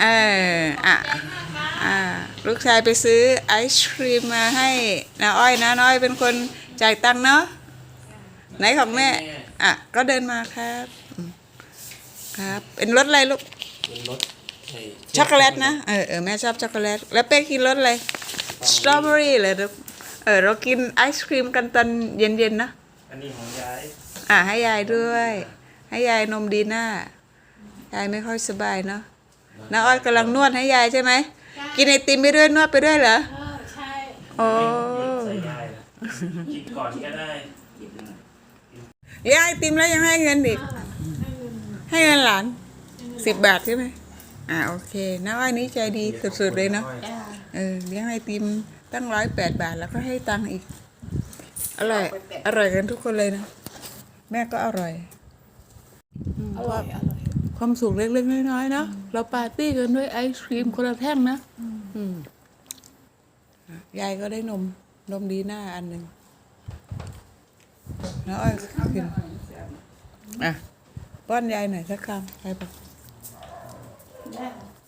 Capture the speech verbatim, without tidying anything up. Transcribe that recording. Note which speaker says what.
Speaker 1: เอออ่ะอ่าลูกชายไปซื้อไอศครีมมาให้น้าอ้อยนะน้าอ้อยเป็นคนจ่ายตังค์เนาะไหนของแม่อ่ะก็เดินมาครับอืมครับเป็นรสอะไรลูก
Speaker 2: เป็นรสไอ้
Speaker 1: ช็อกโกแลตนะเออเออแม่ชอบช็อกโกแลตแล้วเป้กินรสอะไรสตรอเบอรี่เลยลูกเออเรากินไอศครีมกันตอนเย็นๆนะ
Speaker 2: อันนี้ของยาย
Speaker 1: อ่ะให้ยายด้วย ให้ยายนมดีน่ายายไม่ค่อยสบายเนาะน้าอ้อยกำลังนวดให้ยายใช่ไหมกินไอติมไปด้วยนวดไปด้วยเหรอ
Speaker 3: เออใช่
Speaker 1: โอ้
Speaker 2: ใส่ยายกินก่อนก็ได้
Speaker 1: ยายไอติมแล้วยังให้เงินอีกให้เงินหลานสิบบาทใช่ไหมอ่าโอเคน้าอ้อยนี้ใจดีสุดๆเลยเนาะ
Speaker 3: จ้า
Speaker 1: เออเลี้ยงไอติมตั้งร้อยแปดบาทแล้วก็ให้ตังค์อีกอร่อยอร่อยกันทุกคนเลยนะแม่ก็อร่อย
Speaker 3: อร่อยอร่อย
Speaker 1: ความสุขเล็กๆน้อยๆเนาะเราปาร์ตี้กันด้วยไอศครีมคนละแท่งนะอืมยายก็ได้นมนมดีหน้าอันหนึ่งแล้วอ้อยกินอ่ะป้อนยายหน่อยสักคำใครบอก
Speaker 3: ได้